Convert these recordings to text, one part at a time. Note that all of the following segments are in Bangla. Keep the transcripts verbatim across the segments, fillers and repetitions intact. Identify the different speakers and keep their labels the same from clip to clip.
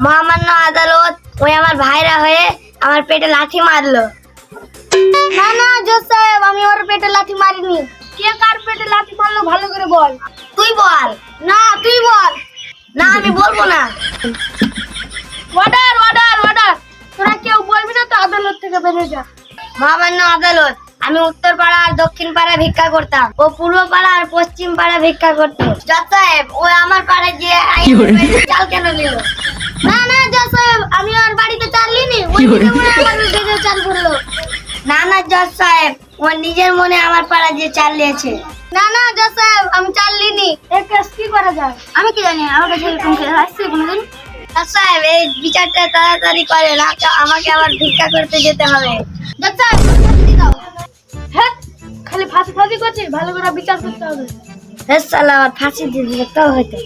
Speaker 1: মহামান্য আদালত ওই আমার ভাইরা হয়ে আমার পেটে লাথি মারলো।
Speaker 2: না না জজ সাহেব, আমি ওর পেটে লাথি মারিনি। কে কার পেটে লাথি মারলো ভালো করে বল।
Speaker 1: তুই বল।
Speaker 2: না তুই বল।
Speaker 1: না আমি বলবো না।
Speaker 2: অর্ডার অর্ডার অর্ডার, তোরা কেউ বলবি না তো, আদালত থেকে বেরিয়ে যা।
Speaker 1: মহামান্য আদালত, আমি উত্তর পাড়া আর দক্ষিণ পাড়া ভিক্ষা করতাম, ও পূর্ব পাড়া আর পশ্চিম পাড়া ভিক্ষা করতো। জজ সাহেব, ও আমার পাড়ায় যে চাল কেন নিল?
Speaker 2: না না জজ সাহেব, আমি ওর বাড়িতে চাল নিইনি, ওই নিজে মনে আমার বেজে চাল করলো।
Speaker 1: না না জজ সাহেব, ও নিজের মনে আমার পাড়া যে চাল নিয়েছে।
Speaker 2: না না জজ সাহেব, আমি চাল নিইনি। এই কেস কি করা যায়? আমি কি জানি, আমার কাছে এরকম কেস আসছে কোনোদিন?
Speaker 1: জজ সাহেব, এই বিচারটা তাড়াতাড়ি করে না, আমাকে আবার ভিক্ষা করতে যেতে হবে।
Speaker 2: জজ সাহেব ফাঁসি দাও। হ্যাঁ, খালি ফাঁসি ফাঁসি করছিস, ভালো করে বিচার করতে হবে।
Speaker 1: হ্যাঁ সালা, আমার ফাঁসি দিয়ে দিলে তো হইতো।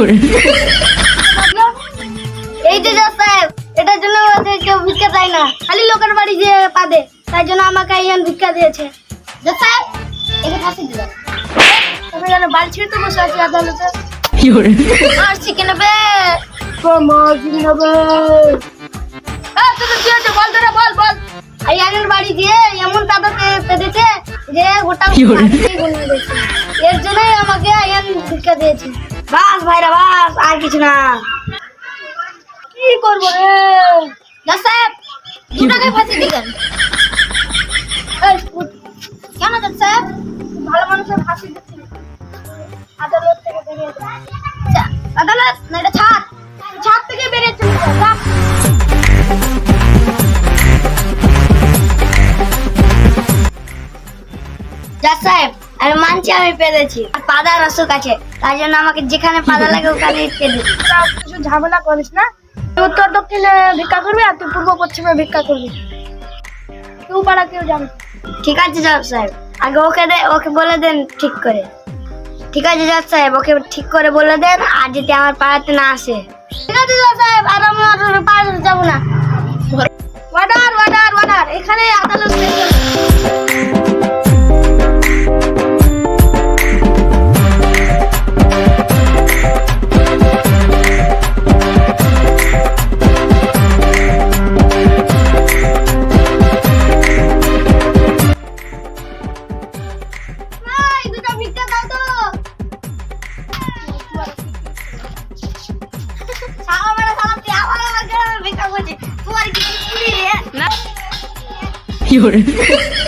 Speaker 2: এই যে জজ সাহেব, এটার জন্য ওদের কেউ ভিক্ষা দেয় না, খালি লোকের বাড়ি যে পাবে, তাই জন্য আমাকে ইয়ান ভিক্ষা দিয়েছে। জজ সাহেব, একে ফাঁসি দিলাম। তুমি যেন বাল ছিঁড়তে বসে আছি আদালতে।
Speaker 1: মারছি কেন বে?
Speaker 2: মারছি হবে। হ্যাঁ, তোদের কি হয়েছে বল, তোরা বল বল। আয়ানের বাড়ি দিয়ে এমন তাদেরকে পেতেছে যে গোটা ফাঁসিই গুনে দিয়েছে। এর জন্যই আমাকে আয়ান ভিক্ষা দিয়েছে।
Speaker 1: বাস ভাইরা বাস, আর কিছু না।
Speaker 2: কি করবো রে? জজ সাহেব, দুটাকে ফাঁসি দিলেন। এই, উঠ। কেন জজ সাহেব? ভালো মানুষের ফাঁসি দিচ্ছি। আদালত থেকে বেরিয়ে যা। যা, আদালত না, এটা ছাড়। ছাড় থেকে বেরিয়ে চলে যা, যা।
Speaker 1: জজ সাহেব, আমি মানছি আমি পেরেছি, আর পাদার অসুখ আছে, তাই জন্য আমাকে যেখানে পাদা লাগে ওখানে পেরে।
Speaker 2: তোরা কিছু ঝামেলা করিস না। তুই উত্তর দক্ষিণে ভিক্ষা করবি আর তুই পূর্ব পশ্চিমে ভিক্ষা করবি। কেউ পাড়া কেউ যাবে।
Speaker 1: ঠিক আছে জজ সাহেব, আগে ওকে দে, ওকে বলে দেন ঠিক করে। ঠিক আছে জজ সাহেব, ওকে ঠিক করে বলে দেন, আর যদি আমার পাড়াতে না আসে।
Speaker 2: ঠিক আছে জজ সাহেব, আর আমি আর পাড়াতে যাবো না। অর্ডার অর্ডার অর্ডার, এখানে আদালত থেকে
Speaker 1: তোমার কি